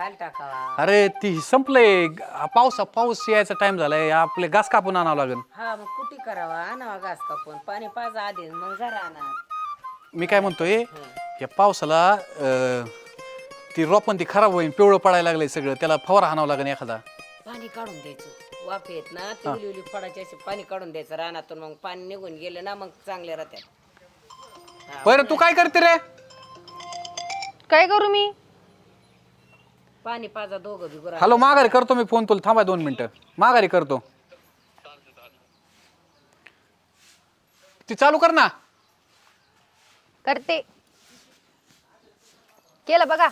खायला टाकावा. अरे ती संपलंय. पाऊस यायचा टाइम झालाय. आपले घास कापून आणावं लागेल. हा मग कुठे करावा आणावा घास कापून पाणी पाजा आधी मग जरा आणा. मी काय म्हणतोय या पावसाला ती रोपण ती खराब होईल. पिवळं पडायला लागलंय सगळं. त्याला फवारा हाणावं लागेल एखादा. पाणी काढून द्यायचं वाफ येत ना ती उली फडाची अशी पाणी काढून द्यायचं रानातून मग पाणी निघून गेलं ना मग चांगले राहतात. बरं तू काय करते रे? काय करू मी? पाणी पाजा दोघं बिगुरा. हॅलो माघारी करतो मी फोन. तुला थांबा 2 मिनिटं. माघारी करतो. ती चालू कर ना. करते. केलं बघा.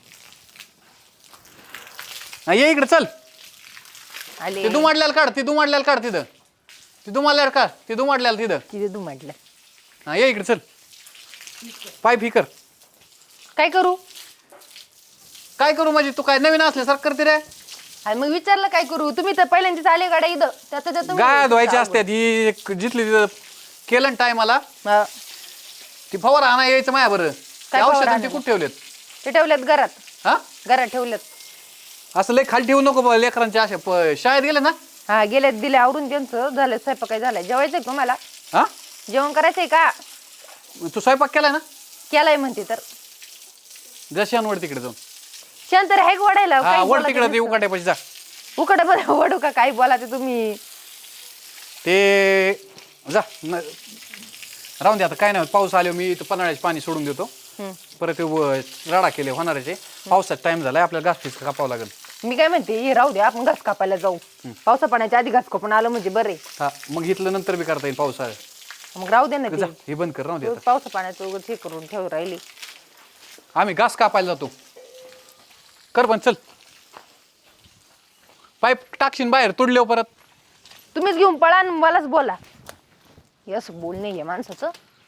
ये इकडे चल. आले ती दुमाडल्याला काढ. ती दुमाडल्याला काढ तिथं. ती दुमाडल्याला काढ. ती दुमाडल्याला तिथं. तिथे तू म्हटलं हा ये इकडे चल. पाईप ही कर. काय करू? काय करू म्हणजे तू काय नवीन असल्यासारखं करते रे? आणि मग विचारलं काय करू? तुम्ही तर पहिल्यांदाच आले गाड्या इथं त्याचं गाय धुवायची असते ती जिथली तिथं केलं टायमाला ती फवारा आणा यायचं माया बरं. काय औषध फवारा ते कुठे ठेवलेत? ते ठेवल्यात घरात. हा घरात ठेवल्यात. असं लय खाली ठेवू नको लेकरांच्या अशा शाळेत गेले ना. हा गेल्यात दिले आवरून त्यांचं झालं. स्वयंपाक काय झालाय? जेवायचंय का तुम्हाला? हा जेवण करायचंय का? तू स्वयंपाक केलाय ना? केलाय म्हणते तर जशांवर तिकडे जाऊन शांत तर आहे वडायला. हा वर तिकडे ते उकाट्यापाशी जा. उकडे बरं वडू का काय बोला ते तुम्ही. ते जा राहून दे आता काय नाही. पाऊस आलो मी इथं पन्हाळ्याचे पाणी सोडून देतो. परत राडा केले होणाराचे. पावसाचा टाइम झालाय. आपल्याला घास फिस कापावं लागेल. मी काय म्हणते हे राहू दे आपण घास कापायला जाऊ. पावसा पाण्याच्या आधी घास कापून आलं म्हणजे बरे. हा मग इथलं नंतर बी करता येईल पावसाळ्यात. मग राहू दे ना जा ते. हे बंद कर. राहू दे आता. पावसा पाण्याचं उगाच हे करून ठेव राहिली. आम्ही घास कापायला जातो. कर पण चल. पाईप टाकशीन बाहेर तुडल्यावर परत. तुम्हीच घेऊन पळा आणि मलाच बोला. हे असं बोलणे आहे माणसाचं.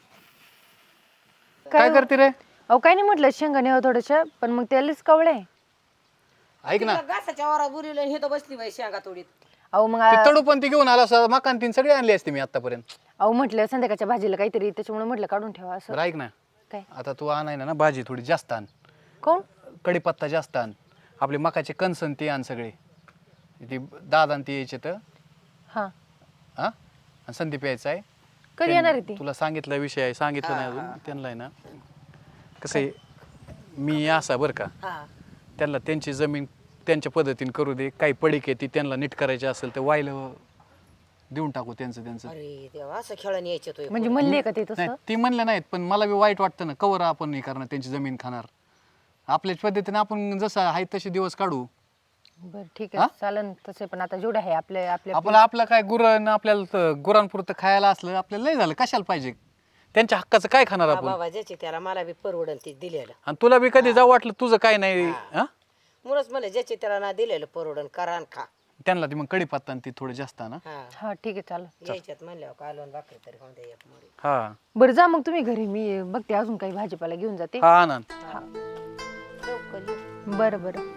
काय करते रे? अहो काय नाही म्हटलं शेंगाने हवं थोडंसं पण मग त्यालाच कवळे. ऐक ना घासाच्या वारा बुरीला हे तर बसली बाई शेंगा तोडीत. अहो मग ती तडू पण ती घेऊन आला. मकान तीन सगळे आणले असते मी आतापर्यंत. अहो म्हटलं संध्याकाळच्या भाजीला काहीतरी त्याच्यामुळे म्हटलं काढून ठेवा असं. बरं ऐक ना. काय आता तू आणाय ना भाजी थोडी जास्त आण. कोण? कढीपत्ता जास्त आण. आपले मकाचे कणसन ते आण सगळे. ती दादा ते यायचे तर हा हा आणि संदीप यायचा आहे. कधी येणार आहे ती? तुला सांगितलं विषय आहे. सांगितलं नाही अजून त्यांना आहे ना. कसं आहे मी असा बरं का त्यांना त्यांची जमीन त्यांच्या पद्धतीने करू दे. काही पडीक आहे ती त्यांना नीट करायची असेल तर वायला देऊन टाकू त्यांचं. अरे देवा असं खेळून यायचे तो. म्हणजे म्हणले का ते नाही तसं? ती म्हणलं नाहीत पण मला बी वाईट वाटतं ना. कवर आपण हे करणार त्यांची जमीन खाणार. आपल्याच पद्धतीने आपण जसं आहे तसे दिवस काढू. बरं ठीक आहे चालन तसे पण आता जेवढं आहे आपल्या आपल्या आपलं काय गुरण आपल्याला गुरांपुरतं खायला असलं आपल्याला लय झालं. कशाला पाहिजे? त्यांच्या हक्काचं काय खाणार आपण? बाबा ज्याची त्याला मला बी परवडन ती दिलेलं. आणि तुला बी कधी जाऊ वाटलं तुझं काय नाही हा म्हणूनच मला ज्याची त्याला ना दिलेलं परवडन करा आणि खा. त्यांना ती मग कढीपत्ता आणि ती थोडं जास्त ना. हा ठीक आहे चालेल. यायच्यात म्हणल्यावर कालवण भाकरी तरी होऊन द्या एक मोडी. हा बरं जा मग तुम्ही घरी मी बघते अजून काही भाजीपाला घेऊन जाते. हा आनंद. लवकर ये. बरं बरं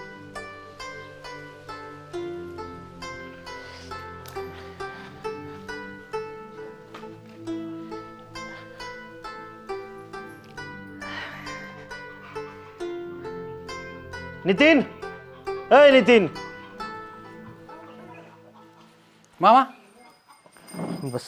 नितीन अय नितीन मामा बस.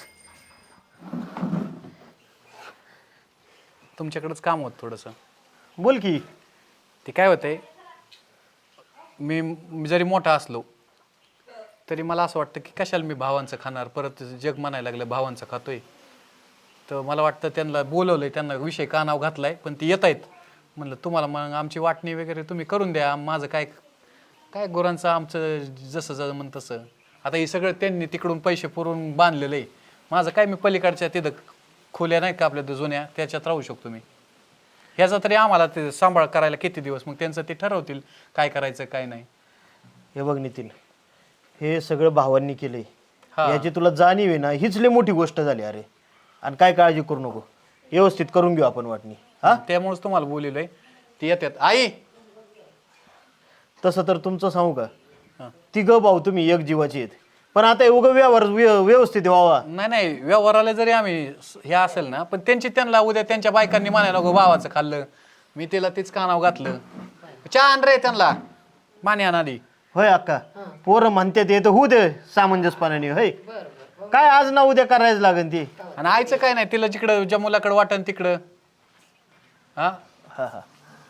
तुमच्याकडेच काम होत थोडंसं. बोल की. ते काय होतंय मी जरी मोठा असलो तरी मला असं वाटतं की कशाला मी भावांचं खाणार. परत जग म्हणायला लागलं भावांचं खातोय. तर मला वाटतं त्यांना बोलवलंय. त्यांना विषय कानाव घातलाय पण ती येत आहेत. म्हणलं तुम्हाला मग आमची वाटणी वगैरे तुम्ही करून द्या. माझं काय काय गुरांचं आमचं जसं जमन तसं. आता हे सगळं त्यांनी तिकडून पैसे पुरवून बांधलेलं आहे. माझं काय मी पलीकडच्या तिथं खोल्या नाही का आपल्या जुन्या त्याच्यात राहू शकतो मी. ह्याचा तरी आम्हाला ते सांभाळ करायला किती दिवस. मग त्यांचं ते ठरवतील काय करायचं काय नाही. हे बघ नितीन हे सगळं भावांनी केलंय. हा. याची तुला जाणीव आहे ना हीच लय मोठी गोष्ट झाली. अरे आणि काय काळजी करू नको. व्यवस्थित करून घेऊ आपण वाटणी. हा त्यामुळेच तुम्हाला बोललोय. ती येतात. आई तसं तर तुमचं सांगू हा. का तिघं भाऊ तुम्ही एक जीवाची आहेत. पण आता हे उगं व्यवहार व्यवस्थित व्हावा. नाही व्यवहाराला जरी आम्ही हे असेल ना पण त्यांना उद्या त्यांच्या बायकांनी म्हणायला नको भावाचं खाल्लं. मी तिला तीच कानाव घातलं. चहा आण रे त्यांना. माने अनादी होय अक्का पोरं म्हणते ते तर होऊ दे सामंजस्यपणाने होय काय आज ना उद्या करायचं लागेल ती. आणि आईचं काय नाही, तिला जिकडं ज्या मुलाकडे वाटन तिकडं. हा हा हा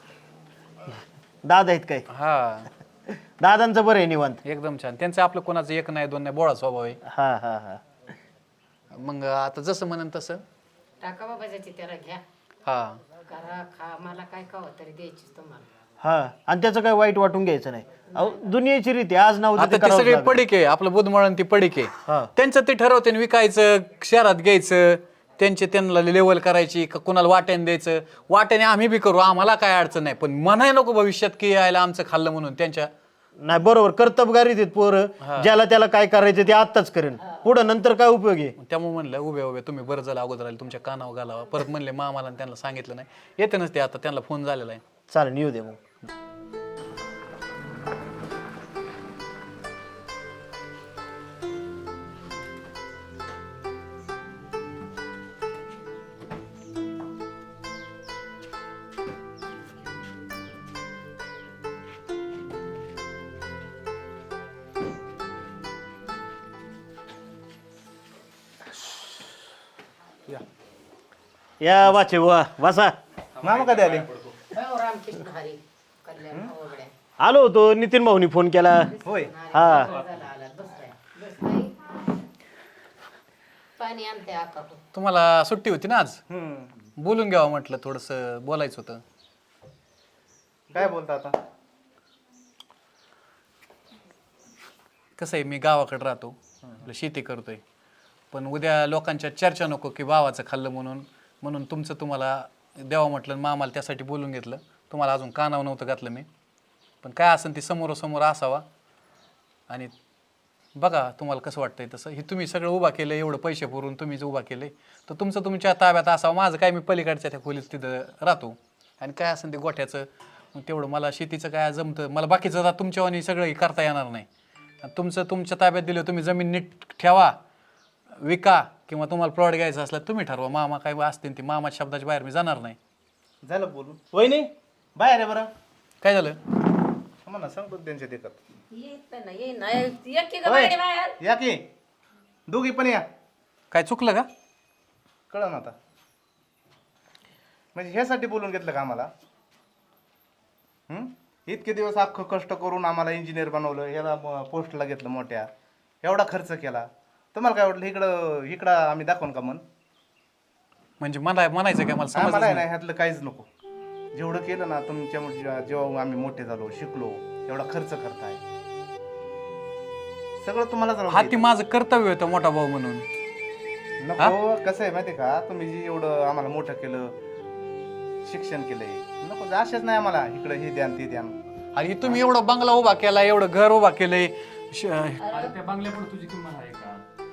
दादा आहेत काय? हा दादांचं बरं आहे निवांत. एकदम छान. त्यांचं आपलं कोणाचं एक नाही दोन नाही बोळा स्वभाव आहे. हा हा हा मग आता जसं म्हणन तसं. टाका बाबा ज्याची त्याला घ्या, हा करा, खा, मला काय खावं तरी द्यायचीच तुम्हाला. हा आणि त्याचं काय वाईट वाटून घ्यायचं नाही. अहो दुनियेची रीती आज ना उद्या आता ते ते करावंच सगळे लागेल. पडिक आहे, आपलं बुधमळण ती पडिक हा. आहे. त्यांचं ते ठरवते विकायचं शहरात घ्यायचं, त्यांना लेवल करायची का कुणाला वाट्याने द्यायचं. वाट्याने आम्ही बी करू, आम्हाला काय अडचण नाही, पण म्हणाय नको भविष्यात की यायला आमचं खाल्लं म्हणून. त्यांच्या नाही बरोबर कर्तबगारी देत पोरं ज्याला त्याला काय करायचं ते आत्ताच करेन, पुढं नंतर काय उपयोग आहे. त्यामुळे म्हणलं उभे तुम्ही बरं झालं अगोदर आले, तुमच्या कानावर घालावा. परत म्हणले मामाला त्यांना सांगितलं नाही, येते नसते आता त्यांना फोन झालेला आहे. चालेल येऊ दे मग. या वाचे वा वासा. मामा कधी आले? हो, रामकृष्ण हरी कल्याण ओवड्या. आलो होतो, नितीन भाऊनी फोन केला. होय. हा झाला आला, बस बाई. पाणी आणते आका. तुम्हाला सुट्टी होती ना आज, बोलून घ्यावं म्हटलं, थोडंसं बोलायचं होतं. काय बोलता आता? कसं आहे, मी गावाकडे राहतो, आपलं शेती करतोय, पण उद्या लोकांच्या चर्चा नको की भावाचं खाल्लं म्हणून तुमचं तुम्हाला द्यावं म्हटलं. मामाला त्यासाठी बोलून घेतलं. तुम्हाला अजून कानावर नव्हतं घातलं मी, पण काय असेल ती समोरासमोर असावा. आणि बघा तुम्हाला कसं वाटतंय तसं. हे तुम्ही सगळं उभा केलं, एवढं पैसे पुरून तुम्हीच उभा केले, तर तुमचं तुमच्या ताब्यात असावं. माझं काय, मी पलीकडच्या त्या खोलीत तिथं राहतो, आणि काय असेल ते गोठ्याचं मग तेवढं मला शेतीचं काय जमतं. मला बाकीचं आता तुमच्यावानी सगळं करता येणार नाही. तुमचं तुमच्या ताब्यात दिलं, तुम्ही जमीन नीट ठेवा, विका, किंवा तुम्हाला प्लॉट घ्यायचा असला तुम्ही ठरवा. मामा काय असतील ती मामाच्या शब्दाच्या बाहेर मी जाणार नाही. झालं बोलून. वहिनी बाहेर आहे बरं. काय झालं? मला सांगतो त्यांच्या देखत. येत ना ये ना एक की बाहेर बाहेर. या की दोघी पण या. काय चुकलं का? कळलं ना आता. म्हणजे ह्यासाठी बोलून घेतलं का आम्हाला? इतके दिवस अख्खं कष्ट करून आम्हाला इंजिनियर बनवलं, याला पोस्टला घेतलं मोठ्या, एवढा खर्च केला. तुम्हाला काय वाटलं इकडं आम्ही दाखवून का मन? म्हणजे मला म्हणायचं काय, मला समजलं आम्हाला नाही. नाही ह्यातलं काहीच नको. जेवढं केलं ना तुमच्या जेव्हा आम्ही मोठे झालो, शिकलो, एवढा खर्च करताय, सगळं तुम्हालाच राहू हा दे. ती माझं कर्तव्य होतं मोठा भाऊ म्हणून. नको. कसं आहे माहिती का, तुम्ही जे एवढं आम्हाला मोठं केलं, शिक्षण केलंय, नको असेच नाही आम्हाला इकडे हे द्यान ते द्यान. आणि तुम्ही एवढा बंगला उभा केला, एवढं घर उभा केलंय. त्या बंगल्यापुढे तुझी किंमत आहे का?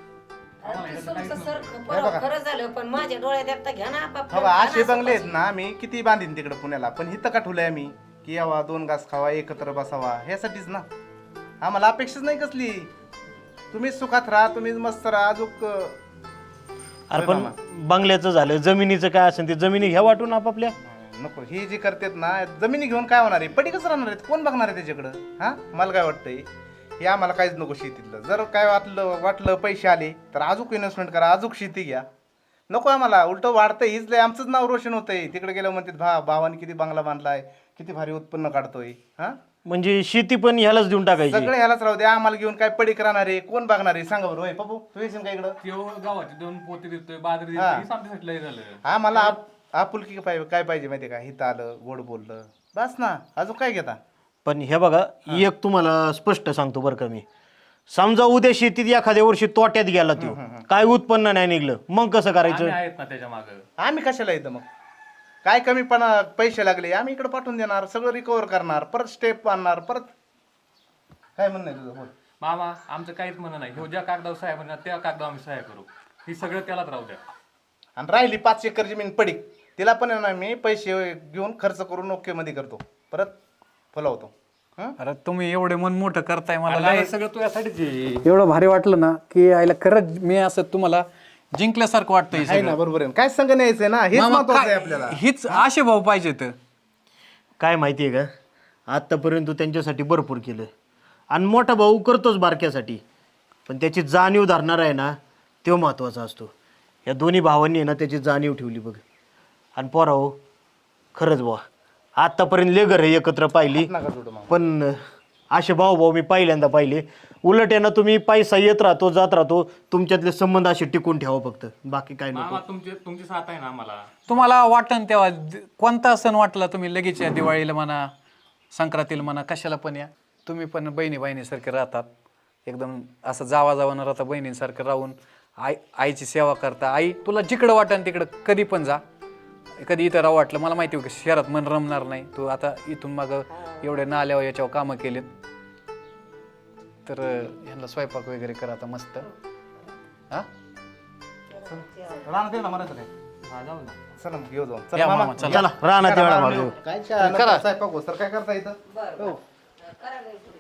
खरं झालं, पण माझ्या डोळ्यात एकटा घ्या ना आपापलं. बाबा असे बंगले आहेत ना, मी किती बांधीन तिकडे पुण्याला, पण इथं का ठेवलंय आम्ही की यावा, 2 घास खावा, एकत्र बसावा, ह्यासाठीच ना. आम्हाला अपेक्षाच नाही कसली. तुम्हीच सुखात राहा, तुम्हीच मस्त राहा. अजून अरे पण बंगल्याचं झालं, जमिनीचं काय असेल ते जमिनी घ्या वाटून आपापल्या. नको. हे जे करतात ना, जमिनी घेऊन काय होणार आहे? पटीकच राहणार आहेत. कोण बघणार आहे त्याच्याकडं? हा, मला काय वाटतंय, हे आम्हाला काहीच नको शेतीतलं. जर काय वाटलं पैसे आले तर अजून इन्व्हेस्टमेंट करा, अजून शेती घ्या. नको आम्हाला. उलटं वाढतंय, हीच लय आमचंच नाव रोशन होतंय. तिकडे गेलं म्हणतात भावाने किती बंगला बांधलाय, किती भारी उत्पन्न काढतोय. हा, म्हणजे शेती पण ह्यालाच देऊन टाकायची. सगळे ह्यालाच राहू दे. आम्हाला घेऊन काय पडीक राहणार आहे? कोण बघणार आहे? सांगा बरं. होय पप्पू, तू येशील का इकडं? त्यो गावाचे 2 पोते देतोय, बाजरी देतोय, हे आमच्यासाठी लय झालं. आम्हाला आपुलकी काय पाहिजे माहिती का? हिथं आलं, गोड बोललं, बस ना. अजून काय घेता? पण हे बघा, एक तुम्हाला स्पष्ट सांगतो बरं का मी, समजा उद्या शेतीत एखाद्या वर्षी तोट्यात गेला तो, काय उत्पन्न नाही निघलं, मग कसं करायचं? आम्ही आहेत ना त्याच्या मागं. आम्ही कशाला येतं मग? काय कमीपणा पैसे लागले, आम्ही इकडे पाठवून देणार, सगळं रिकवर करणार, परत स्टेप आणणार, परत. काय म्हणणं आहे तुझं? बोल. मामा आमचं काहीच म्हणणं नाही. ह्यो ज्या कागदावर सह्या म्हणणार त्या कागदावर आम्ही सह्या करू. ही सगळं त्यालाच राहू द्या. आणि राहिली 5 एकर जमीन पडीक, तिला पण आहे ना मी पैसे घेऊन खर्च करून ओके मध्ये करतो, परत फुलवतो. अरे तुम्ही एवढे मन मोठं करताय, मला मला लय हे सगळं तुझ्यासाठीच आहे. एवढं भारी वाटलं ना की आईला खरंच मी असं तुम्हाला जिंकल्यासारखं वाटतंय आहे सगळं. ना, बरोबर आहे. काय संग न्यायचंय ना, हेच मामा, महत्वाचं आहे काय- आपल्याला. हीच आशे भाऊ पाहिजेत. काय माहितीये का, आत्तापर्यंत तू त्यांच्यासाठी भरपूर केलं आणि मोठा भाऊ करतोच बारक्यासाठी, पण त्याची जाणीव धरणार आहे ना तो महत्त्वाचा असतो. या दोन्ही भावांनी आहे ना त्याची जाणीव ठेवली बघ. आणि पोराहो खरंच बुवा आत्तापर्यंत लय घरं एकत्र पाहिली, नका जोडू मामा. पण असे भाऊ मी पहिल्यांदा पाहिले. उलट आहे ना तुम्ही पैसा येत राहतो जात राहतो, तुमच्यातले संबंध असे टिकून ठेवा फक्त, बाकी काय नको. मामा तुमची साथ आहे ना आम्हाला. तुम्हाला वाटन तेव्हा कोणता सण वाटला तुम्ही लगेच या, दिवाळीला म्हणा संक्रांतीला म्हणा कशाला पण या. तुम्ही पण बहिणीसारखे राहतात, एकदम असं जावा न राहता बहिणींसारखं राहून आईची सेवा करता. आई तुला जिकडं वाटन तिकडं कधी पण जा, कधी इथं राहू वाटलं मला माहिती होतं शहरात मन रमणार नाही. तू आता इथून मागं एवढे नाल्यावर याच्यावर कामं केलेत, तर ह्यांना स्वयंपाक वगैरे करा आता मस्त. हा राहणार ना मरायचं काय. हा जाऊ ना. चला मग घेऊ जाऊन. या चला मामा, मामा. चला. चला राहणार तेवढा भाऊ. काय चहा, नंतर स्वयंपाक हो सर काय करता इथं हो.